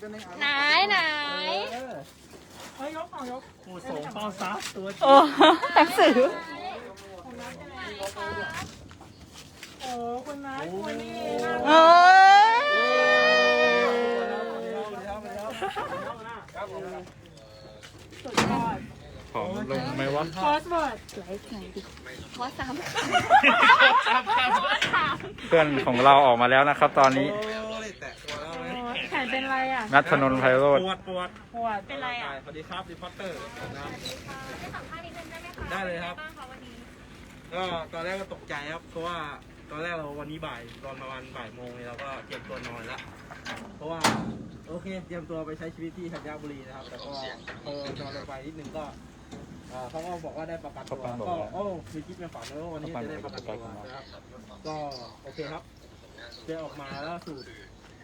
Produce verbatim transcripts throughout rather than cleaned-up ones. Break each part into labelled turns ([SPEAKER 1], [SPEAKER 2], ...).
[SPEAKER 1] ไหนไหน
[SPEAKER 2] เฮ้ยยกเอายกโอ้ส่งเป้าซับตัวจริง
[SPEAKER 1] โอ้หนังสือ
[SPEAKER 2] โอ้คุณน้าคุณนี่น่า
[SPEAKER 1] เอ้ย
[SPEAKER 2] สุดยอด
[SPEAKER 3] ผอมลงไหมวะ
[SPEAKER 2] คอสเวิร์ด
[SPEAKER 1] ไลฟ์ไหนดิขอสาม
[SPEAKER 3] เพื่อนของเราออกมาแล้วนะครับ ตอนนี้
[SPEAKER 2] แขนเป็นไรอ่ะ
[SPEAKER 3] นัทธนนท์ไพโรจน์
[SPEAKER 4] ปวดปวด
[SPEAKER 2] ปวดเป็นไรอ่ะ
[SPEAKER 4] สวัสดีครับรีพอร์เตอร์นะครับได้เลยครับก็ตอนแรกก็ตกใจครับเพราะว่าตอนแรกเราวันนี้บ่ายตอนประมาณบ่ายโมงเนี่ยเราก็เตรียมตัวนอนแล้วเพราะว่าโอเคเตรียมตัวไปใช้ชีวิตที่ธัญบุรีนะครับแต่ก็พอนอนลงไปนิดนึงก็เอ่อเขาก็บอกว่าได้ประกันตัวก็โอ้มีคิดในฝันเลยว่าวันนี้จะได้ประกันตัวนะครับก็โอเคครับเดินออกมาแล้วสูด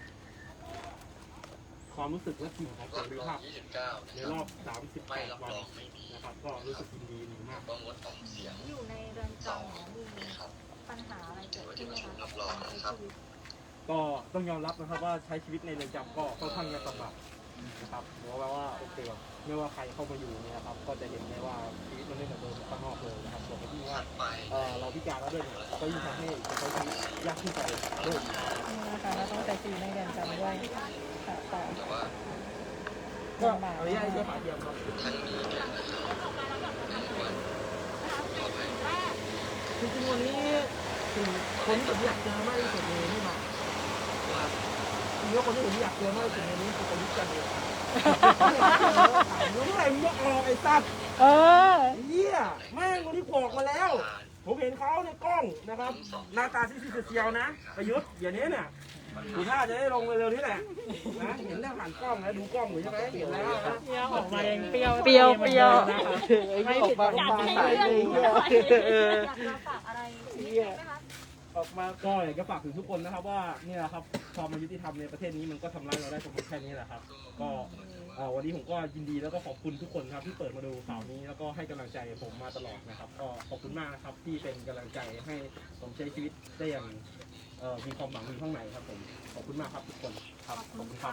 [SPEAKER 4] ความรู้สึกและกลิ่นของเสรีภาพในรอบสามสิบแปดวันนะครับก็รู้สึกยินดีหนึ่งมาก
[SPEAKER 5] อยู่ในเรือนจำมีปัญหาอะไรเกิดขึ้นไหมคะ
[SPEAKER 4] ก็ต้องยอมรับนะครับว่าใช้ชีวิตในเรือนจำก็ค่อนข้างจะลำบากนะครับเพราะว่าโอเคไม่ว่าใครเข้ามาอยู่เนี่ยนะครับก็จะเห็นได้ว่าชีวิตมันไม่เหมือนเดิมข้างนอกเลยนะครับส่วนที่ว่าเออเราพิการแล้วด้วยเนี่ยก็ยิ่งทำให้ใช้ชีวิตยากขึ้นไปด้วย
[SPEAKER 2] นะคะเราต้องใช้ชีวิตในเรือนจำด้วยค่ะแต่
[SPEAKER 4] ก็อนุญาตให้ใช้ฝาเทียมครับจริงๆวันนี้สิ่งคนที่ผมอยากเจอมากที่สุดเลยนี่มาจริงๆแล้วคนที่ผมอยากเจอมากที่สุดในนี้คือประยุทธ์จันทร์โอชารู้ไหมมึงยกออกไอ้สัตว์
[SPEAKER 2] เออ
[SPEAKER 4] เหี้ยแม่งคนที่โผล่มาแล้ว ผมเห็นเขาในกล้องนะครับหน้าตาซีซีเซียวนะประยุทธ์เดี๋ยวนี้เนี่ยดูท่าจะได้ลงเร็วๆนี่แหละนะเห็นแล้วผ่านกล้องนะดูกล้องอยู่ใช่ไหมเห็นแล้วนะ
[SPEAKER 2] เปรี้ยวออกมาเองเปรี้ยว
[SPEAKER 1] เปรี้ยวเปรี้ยว
[SPEAKER 2] ไม่ผิดหวัง
[SPEAKER 5] อยาก
[SPEAKER 2] มา
[SPEAKER 5] ให้
[SPEAKER 2] ก
[SPEAKER 5] เรื่องอยากจะฝากอะไรนิดนึงไหมคะ
[SPEAKER 4] ออกมาก็อยากจะฝากถึงทุกคนนะครับว่าเนี่ยครับความยุติธรรมในประเทศนี้มันก็ทำร้ายเราได้เฉพาะแค่นี้แหละครับก็วันนี้ผมก็ยินดีแล้วก็ขอบคุณทุกคนครับที่เปิดมาดูข่าวนี้แล้วก็ให้กำลังใจผมมาตลอดนะครับก็ขอบคุณมากนะครับที่เป็นกำลังใจให้ผมใช้ชีวิตได้อย่างมีความหวังมีข้างในครับผมขอบคุณมากครับทุกคนครับขอบคุณครับ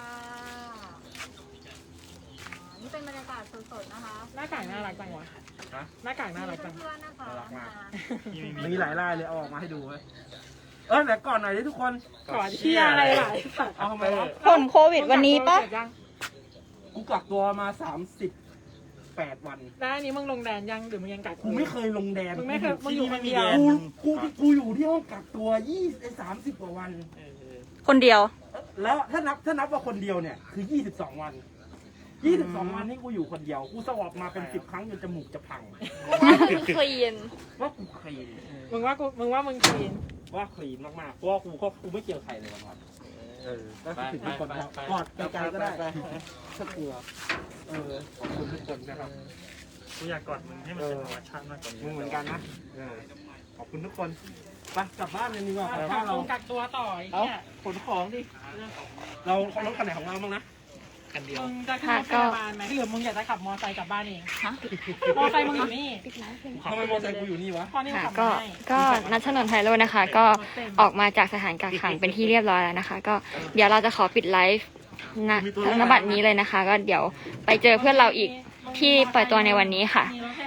[SPEAKER 5] นี่เป็นบรรยากาศสดๆนะคะ
[SPEAKER 2] หน้ากากน่ารักจังวะ
[SPEAKER 4] ฮะ
[SPEAKER 2] หน้ากากน่ารักจัง
[SPEAKER 5] เพื่อนๆนะคะ
[SPEAKER 4] น่ารักมาก
[SPEAKER 5] มา
[SPEAKER 4] มีหลายลายเลยเอาออกมาให้ดูเว้ยเออแต่ก่อนหน่อยดิทุกคน
[SPEAKER 2] ขอเชียร์อะไรหลายสัตว์
[SPEAKER 4] เอาทำไมวะ
[SPEAKER 1] ผลโควิดวันนี้ปะ
[SPEAKER 4] กูกักตัวมาสามสิบแปดวัน
[SPEAKER 2] ได้นี้มึงลงแดนยังหรือมึงยังกัก
[SPEAKER 4] กูไม่เคยลงแดน
[SPEAKER 2] มึงไม่เคยมึงอยู่คนเดียว
[SPEAKER 4] กูกูกูอยู่ที่ห้องกักตัวยี่สามสิบกว่าวัน
[SPEAKER 1] คนเดียว
[SPEAKER 4] แล้วถ้านับถ้านับว่าคนเดียวเนี่ยคือยี่สิบสองวันยี่สิบสองวันนี่กูอยู่คนเดียวกูสวอปมาเป็นสิบครั้งจนจมูกจะพัง
[SPEAKER 1] คลีน
[SPEAKER 4] ว่ากูคลีน
[SPEAKER 2] มึงว่ากูมึงว่ามึงคลีน
[SPEAKER 4] ว่าคลีนมากๆเพราะว่ากูก็กูไม่เกี่ยวใครเลยวันๆเออก็คือถึงทุกคนครับกอดไกลๆก็ได้ถ้ากลัวเออขอบคุณทุกคนนะครับ
[SPEAKER 2] กูอยากกอดมึงให้มันเป็นธรรมชาติมากกว่านี้
[SPEAKER 4] มึงเหมือนกันนะเออขอบคุณทุกคนไปกลับบ้านกันดีกว่าไปบ้าน
[SPEAKER 2] เรา
[SPEAKER 4] เรา
[SPEAKER 2] กักตัวต่อไอ้
[SPEAKER 4] เอา
[SPEAKER 2] เนี่ย
[SPEAKER 4] ขนของดิเราเขารถคันไหนของเราบ้างนะคันเดียว
[SPEAKER 2] มึงจะขึ้นรถพยาบาลไหมหรือมึงอยากจะขับมอเตอร์ไซค์กลับบ้านเอง
[SPEAKER 1] ฮะ
[SPEAKER 2] มอเตอร์ไซค์มึงอยู่นี่
[SPEAKER 4] ทำไมมอเตอร์ไซค์กูอยู่นี่วะ
[SPEAKER 2] พอนี่มึง
[SPEAKER 1] ค่ะ
[SPEAKER 2] ขับ
[SPEAKER 1] ก็
[SPEAKER 2] มาให้
[SPEAKER 1] ก็นัทธนนท์ไพโรจน์นะคะ ก็ออกมาจากสถานกักขังเป็นที่เรียบร้อยแล้วนะคะ ก็เดี๋ยวเราจะขอปิดไลฟ์ณณบัดนี้เลยนะคะ ก็เดี๋ยวไปเจอเพื่อนเราอีกที่ปล่อยตัวในวันนี้ค่ะ
[SPEAKER 2] มีรถพย